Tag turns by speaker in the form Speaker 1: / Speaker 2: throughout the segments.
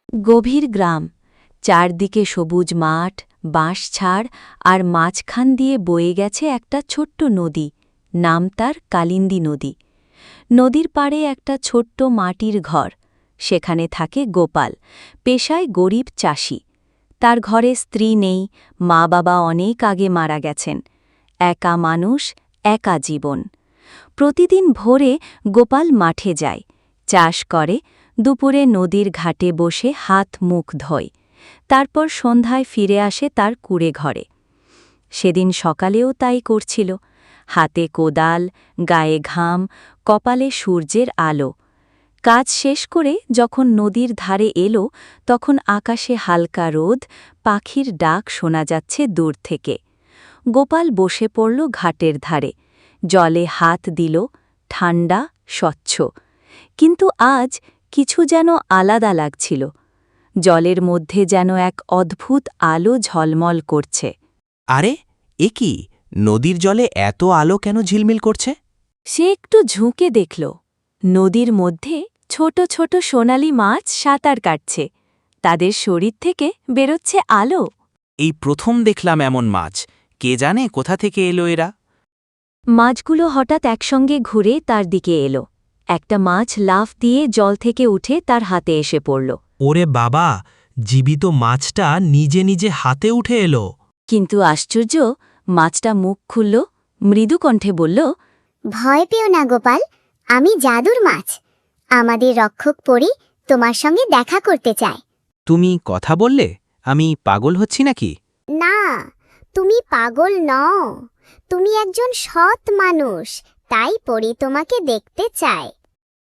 Speaker 1: গভীর গ্রাম, চারদিকে সবুজ মাঠ, বাঁশঝাড় আর মাঝখান দিয়ে বয়ে গেছে একটা ছোট্ট নদী, নাম তার কালিন্দী নদী। নদীর পাড়ে একটা ছোট্ট মাটির ঘর, সেখানে থাকে গোপাল, পেশায় গরিব চাষি। তার ঘরে স্ত্রী নেই, মা বাবা অনেক আগে মারা গেছেন। একা মানুষ, একা জীবন। প্রতিদিন ভোরে গোপাল মাঠে যায়, চাষ করে, দুপুরে নদীর ঘাটে বসে হাত মুখ ধোয়, তারপর সন্ধ্যায় ফিরে আসে তার কুঁড়ে ঘরে। সেদিন সকালেও তাই করছিল, হাতে কোদাল, গায়ে ঘাম, কপালে সূর্যের আলো। কাজ শেষ করে যখন নদীর ধারে এলো, তখন আকাশে হালকা রোদ, পাখির ডাক শোনা যাচ্ছে দূর থেকে। গোপাল বসে পড়ল ঘাটের ধারে, জলে হাত দিল, ঠান্ডা, স্বচ্ছ। কিন্তু আজ কিছু যেন আলাদা লাগছিল। জলের মধ্যে যেন এক অদ্ভুত আলো ঝলমল করছে।
Speaker 2: আরে, এ কি? নদীর জলে এত আলো কেন ঝিলমিল করছে?
Speaker 1: সে একটু ঝুঁকে দেখল, নদীর মধ্যে ছোট ছোট সোনালি মাছ সাঁতার কাটছে, তাদের শরীর থেকে বেরোচ্ছে আলো।
Speaker 2: এই প্রথম দেখলাম এমন মাছ। কে জানে কোথা থেকে এলো এরা?
Speaker 1: মাছগুলো হঠাৎ একসঙ্গে ঘুরে তার দিকে এলো। একটা মাছ লাফ দিয়ে জল থেকে উঠে তার হাতে এসে পড়ল।
Speaker 3: ওরে বাবা, জীবিত মাছটা নিজে নিজে হাতে উঠে এলো।
Speaker 1: কিন্তু আশ্চর্য, মাছটা মুখ খুলল, মৃদু কণ্ঠে বলল,
Speaker 4: ভয় পেও না গোপাল, আমি জাদুর মাছ। আমাদের রক্ষক পরী তোমার সঙ্গে দেখা করতে চায়।
Speaker 2: তুমি কথা বললে? আমি পাগল হচ্ছি নাকি?
Speaker 4: না, তুমি পাগল নও, তুমি একজন সৎ মানুষ, তাই পরী তোমাকে দেখতে চায়।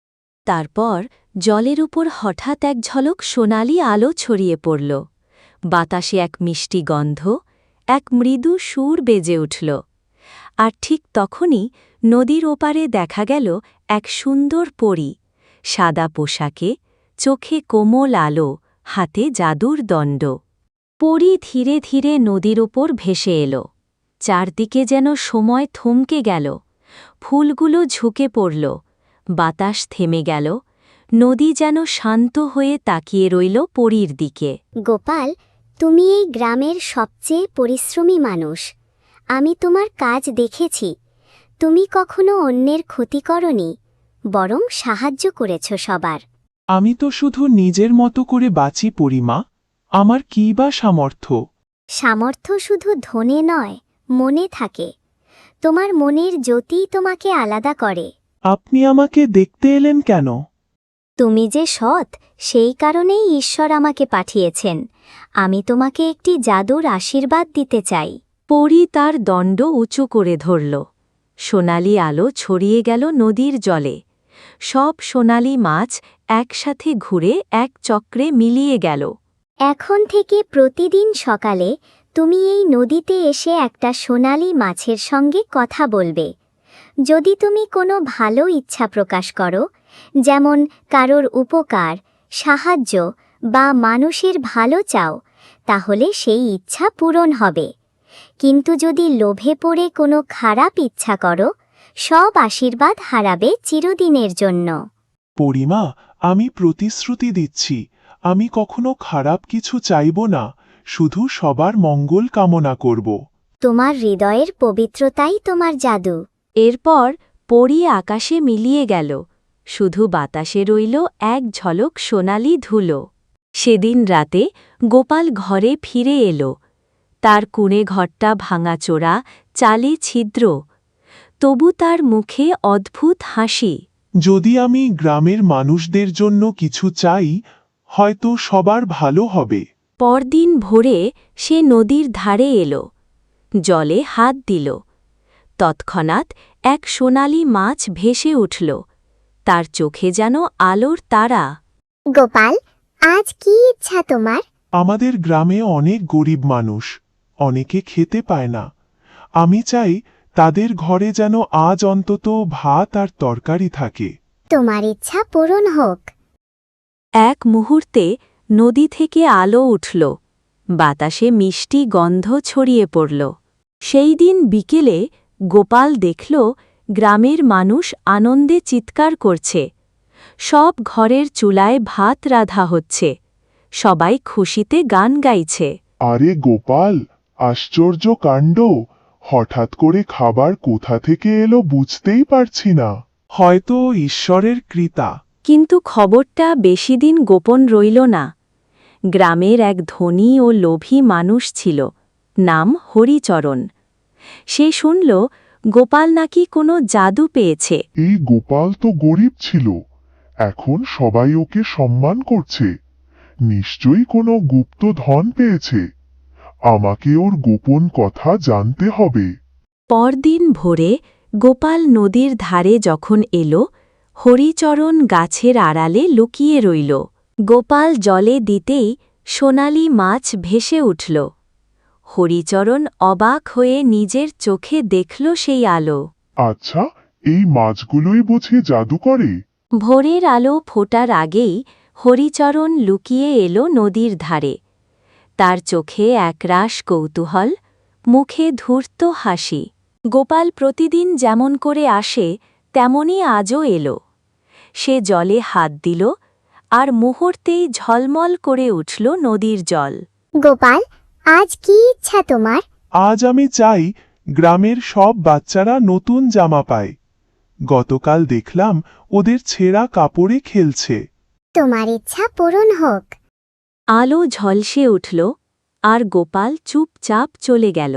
Speaker 1: তারপর জলের উপর হঠাৎ এক ঝলক সোনালি আলো ছড়িয়ে পড়ল। বাতাসে এক মিষ্টি গন্ধ, এক মৃদু সুর বেজে উঠল। আর ঠিক তখনই নদীর ওপারে দেখা গেল এক সুন্দর পরী, সাদা পোশাকে, চোখে কোমল আলো, হাতে জাদুর দণ্ড। পরী ধীরে ধীরে নদীর ওপর ভেসে এলো। চারদিকে যেন সময় থমকে গেল, ফুলগুলো ঝুঁকে পড়ল, বাতাস থেমে গেল, নদী যেন শান্ত হয়ে তাকিয়ে রইল পরীর দিকে।
Speaker 4: গোপাল, তুমি এই গ্রামের সবচেয়ে পরিশ্রমী মানুষ। আমি তোমার কাজ দেখেছি। তুমি কখনো অন্যের ক্ষতি করনি, বরং সাহায্য করেছ সবার।
Speaker 5: আমি তো শুধু নিজের মতো করে বাঁচি পরিমা, আমার কী বা সামর্থ্য?
Speaker 4: সামর্থ্য শুধু ধনে নয়, মনে থাকে। তোমার মনের জ্যোতিই তোমাকে আলাদা করে।
Speaker 5: আপনি আমাকে দেখতে এলেন কেন?
Speaker 4: তুমি যে সৎ, সেই কারণেই ঈশ্বর আমাকে পাঠিয়েছেন। আমি তোমাকে একটি জাদুর আশীর্বাদ দিতে চাই।
Speaker 1: পরী তার দণ্ড উঁচু করে ধরল। সোনালি আলো ছড়িয়ে গেল নদীর জলে। সব সোনালি মাছ একসাথে ঘুরে এক চক্রে মিলিয়ে গেল।
Speaker 4: এখন থেকে প্রতিদিন সকালে তুমি এই নদীতে এসে একটা সোনালি মাছের সঙ্গে কথা বলবে। যদি তুমি কোনো ভালো ইচ্ছা প্রকাশ করো, যেমন কারোর উপকার, সাহায্য বা মানুষের ভালো চাও, তাহলে সেই ইচ্ছা পূরণ হবে। কিন্তু যদি লোভে পড়ে কোনো খারাপ ইচ্ছা করো, সব আশীর্বাদ হারাবে চিরদিনের জন্য।
Speaker 5: পরিমা, আমি প্রতিশ্রুতি দিচ্ছি, আমি কখনো খারাপ কিছু চাইব না, শুধু সবার মঙ্গল কামনা করব।
Speaker 4: তোমার হৃদয়ের পবিত্রতাই তোমার জাদু।
Speaker 1: এরপর পরী আকাশে মিলিয়ে গেল, শুধু বাতাসে রইল এক ঝলক সোনালি ধুলো। সেদিন রাতে গোপাল ঘরে ফিরে এলো। তার কুঁড়ে ঘরটা ভাঙাচোরা, চালে ছিদ্র, তবু তার মুখে অদ্ভুত হাসি।
Speaker 5: যদি আমি গ্রামের মানুষদের জন্য কিছু চাই, হয়তো সবার ভালো হবে।
Speaker 1: পরদিন ভোরে সে নদীর ধারে এলো, জলে হাত দিল। তৎক্ষণাৎ এক সোনালি মাছ ভেসে উঠল, তার চোখে যেন আলোর তারা।
Speaker 4: গোপাল, আজ কি ইচ্ছা তোমার?
Speaker 5: আমাদের গ্রামে অনেক গরিব মানুষ, অনেকে খেতে পায় না। আমি চাই তাদের ঘরে যেন আজ অন্তত ভাত আর তরকারি থাকে।
Speaker 4: তোমার ইচ্ছা পূরণ হোক।
Speaker 1: এক মুহূর্তে নদী থেকে আলো উঠল, বাতাসে মিষ্টি গন্ধ ছড়িয়ে পড়ল। সেই দিন বিকেলে গোপাল দেখল গ্রামের মানুষ আনন্দে চিৎকার করছে। সব ঘরের চুলায় ভাত রাধা হচ্ছে, সবাই খুশিতে গান গাইছে।
Speaker 5: আরে গোপাল, আশ্চর্য কাণ্ড! হঠাৎ করে খাবার কোথা থেকে এলো বুঝতেই পারছি না। হয়তো ঈশ্বরের কৃপা।
Speaker 1: কিন্তু খবরটা বেশিদিন গোপন রইল না। গ্রামের এক ধনী ও লোভী মানুষ ছিল, নাম হরিচরণ। সে শুনল গোপাল নাকি কোনো জাদু পেয়েছে।
Speaker 5: এই গোপাল তো গরিব ছিল, এখন সবাই ওকে সম্মান করছে। নিশ্চয়ই কোনো গুপ্ত ধন পেয়েছে। আমাকে ওর গোপন কথা জানতে হবে।
Speaker 1: পরদিন ভোরে গোপাল নদীর ধারে যখন এলো, হরিচরণ গাছের আড়ালে লুকিয়ে রইল। গোপাল জলে দিতেই সোনালি মাছ ভেসে উঠল। হরিচরণ অবাক হয়ে নিজের চোখে দেখল সেই আলো।
Speaker 5: আচ্ছা, এই মাছগুলোই বুঝি জাদু করে?
Speaker 1: ভোরের আলো ফোটার আগেই হরিচরণ লুকিয়ে এলো নদীর ধারে। তার চোখে একরাশ কৌতূহল, মুখে ধূর্ত হাসি। গোপাল প্রতিদিন যেমন করে আসে তেমনই আজও এলো। সে জলে হাত দিল, আর মুহূর্তেই ঝলমল করে উঠল নদীর জল।
Speaker 4: গোপাল, আজ কি ইচ্ছা তোমার?
Speaker 5: আজ আমি চাই গ্রামের সব বাচ্চারা নতুন জামা পায়। গতকাল দেখলাম ওদের ছেঁড়া কাপড়ে খেলছে।
Speaker 4: তোমার ইচ্ছা পূরণ হোক।
Speaker 1: আলো ঝলসে উঠল, আর গোপাল চুপচাপ চলে গেল।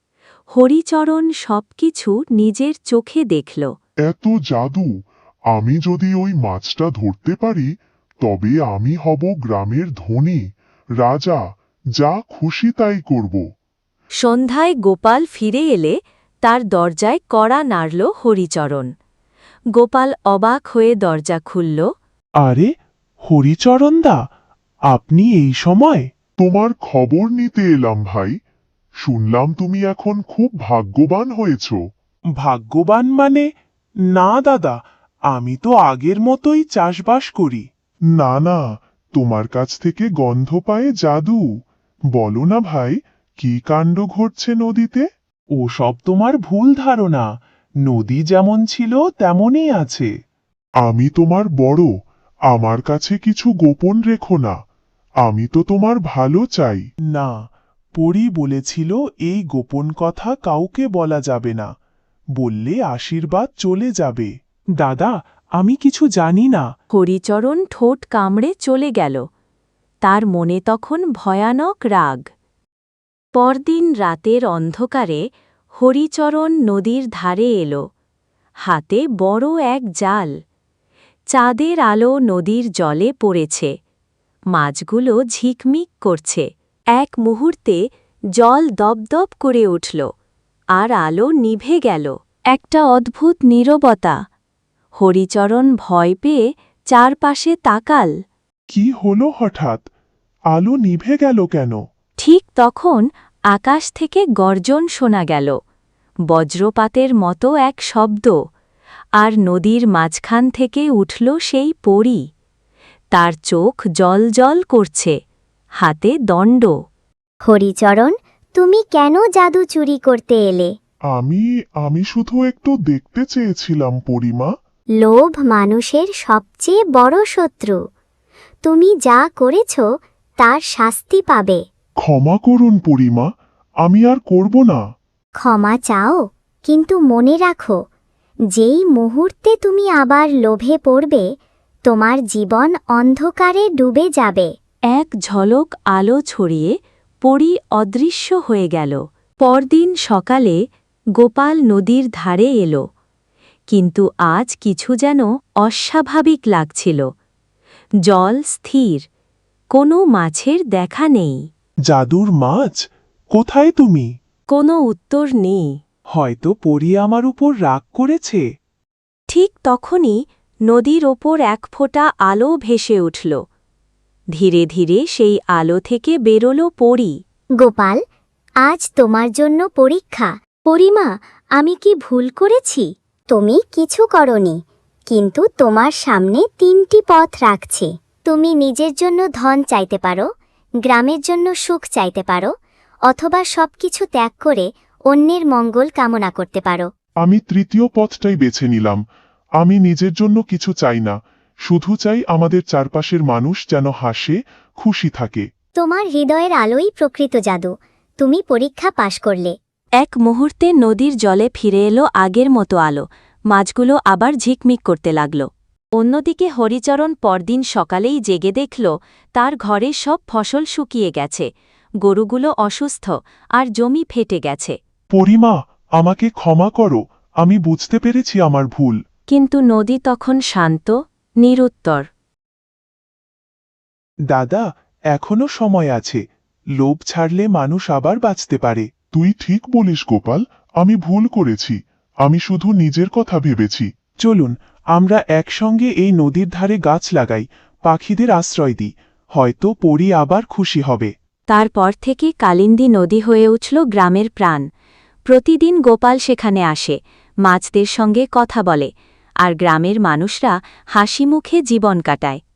Speaker 1: হরিচরণ সবকিছু নিজের চোখে দেখল।
Speaker 5: এত জাদু! আমি যদি ওই মাছটা ধরতে পারি, তবে আমি হব গ্রামের ধনী রাজা। যা খুশি তাই করব।
Speaker 1: সন্ধ্যায় গোপাল ফিরে এলে তার দরজায় কড়া নাড়ল হরিচরণ। গোপাল অবাক হয়ে দরজা খুলল।
Speaker 5: আরে হরিচরণদা, আপনি এই সময়? তোমার খবর নিতে এলাম ভাই। শুনলাম তুমি এখন খুব ভাগ্যবান হয়েছ। ভাগ্যবান মানে? না দাদা, আমি তো আগের মতোই চাষবাস করি। না না, তোমার কাছ থেকে গন্ধ পায়ে জাদু। বলো না ভাই, কি কাণ্ড ঘটছে নদীতে? ও সব তোমার ভুল ধারণা। নদী যেমন ছিল তেমনই আছে। আমি তোমার বড়, আমার কাছে কিছু গোপন রেখো না। আমি তো তোমার ভালো চাই। না, পরী বলেছিল এই গোপন কথা কাউকে বলা যাবে না। বললে আশীর্বাদ চলে যাবে। দাদা, আমি কিছু জানি না।
Speaker 1: হরিচরণ ঠোঁট কামড়ে চলে গেল। তার মনে তখন ভয়ানক রাগ। পরদিন রাতের অন্ধকারে হরিচরণ নদীর ধারে এলো। হাতে বড় এক জাল। চাঁদের আলো নদীর জলে পড়েছে। মাছগুলো ঝিকমিক করছে। এক মুহূর্তে জল দপদপ করে উঠল, আর আলো নিভে গেল। একটা অদ্ভুত নীরবতা। হরিচরণ ভয় পেয়ে চারপাশে তাকাল।
Speaker 5: কি হলো হঠাৎ? আলো নিভে গেল কেন?
Speaker 1: ঠিক তখন আকাশ থেকে গর্জন শোনা গেল, বজ্রপাতের মতো এক শব্দ। আর নদীর মাঝখান থেকে উঠল সেই পরী। তার চোখ জ্বলজ্বল করছে, হাতে দণ্ড।
Speaker 4: হরিচরণ, তুমি কেন জাদু চুরি করতে এলে?
Speaker 5: আমি শুধু একটু দেখতে চেয়েছিলাম পরিমা।
Speaker 4: লোভ মানুষের সবচেয়ে বড় শত্রু। তুমি যা করেছ তার শাস্তি পাবে।
Speaker 5: ক্ষমা করুন পরিমা, আমি আর করব না।
Speaker 4: ক্ষমা চাও, কিন্তু মনে রাখো, যেই মুহূর্তে তুমি আবার লোভে পড়বে, তোমার জীবন অন্ধকারে ডুবে যাবে।
Speaker 1: এক ঝলক আলো ছড়িয়ে পরী অদৃশ্য হয়ে গেল। পরদিন সকালে গোপাল নদীর ধারে এলো। কিন্তু আজ কিছু যেন অস্বাভাবিক লাগছিল। জল স্থির, কোনো মাছের দেখা নেই।
Speaker 5: জাদুর মাছ, কোথায় তুমি?
Speaker 1: কোনো উত্তর নেই।
Speaker 5: হয়তো পরী আমার উপর রাগ করেছে।
Speaker 1: ঠিক তখনই নদীর ওপর এক ফোঁটা আলো ভেসে উঠল। ধীরে ধীরে সেই আলো থেকে বেরোল পরী।
Speaker 4: গোপাল, আজ তোমার জন্য পরীক্ষা। পরিমা, আমি কি ভুল করেছি? তুমি কিছু করনি, কিন্তু তোমার সামনে 3টি পথ রাখছি। তুমি নিজের জন্য ধন চাইতে পারো, গ্রামের জন্য সুখ চাইতে পারো, অথবা সবকিছু ত্যাগ করে অন্যের মঙ্গল কামনা করতে পারো।
Speaker 5: আমি তৃতীয় পথটাই বেছে নিলাম। আমি নিজের জন্য কিছু চাই না, শুধু চাই আমাদের চারপাশের মানুষ যেন হাসে, খুশি থাকে।
Speaker 4: তোমার হৃদয়ের আলোই প্রকৃত জাদু। তুমি পরীক্ষা পাশ করলে।
Speaker 1: এক মুহূর্তে নদীর জলে ফিরে এলো আগের মতো আলো, মাছগুলো আবার ঝিকমিক করতে লাগল। অন্যদিকে হরিচরণ পরদিন সকালেই জেগে দেখল তার ঘরে সব ফসল শুকিয়ে গেছে, গরুগুলো অসুস্থ আর জমি ফেটে গেছে।
Speaker 5: পরিমা, আমাকে ক্ষমা করো, আমি বুঝতে পেরেছি আমার ভুল।
Speaker 1: কিন্তু নদী তখন শান্ত, নিরুত্তর।
Speaker 5: দাদা, এখনো সময় আছে। লোভ ছাড়লে মানুষ আবার বাঁচতে পারে। তুই ঠিক বলিস গোপাল, আমি ভুল করেছি। আমি শুধু নিজের কথা ভেবেছি। চলুন আমরা একসঙ্গে এই নদীর ধারে গাছ লাগাই, পাখিদের আশ্রয় দিই। হয়তো পরী আবার খুশি হবে।
Speaker 1: তারপর থেকে কালিন্দী নদী হয়ে উঠল গ্রামের প্রাণ। প্রতিদিন গোপাল সেখানে আসে, মাছদের সঙ্গে কথা বলে, আর গ্রামের মানুষরা হাসিমুখে জীবন কাটায়।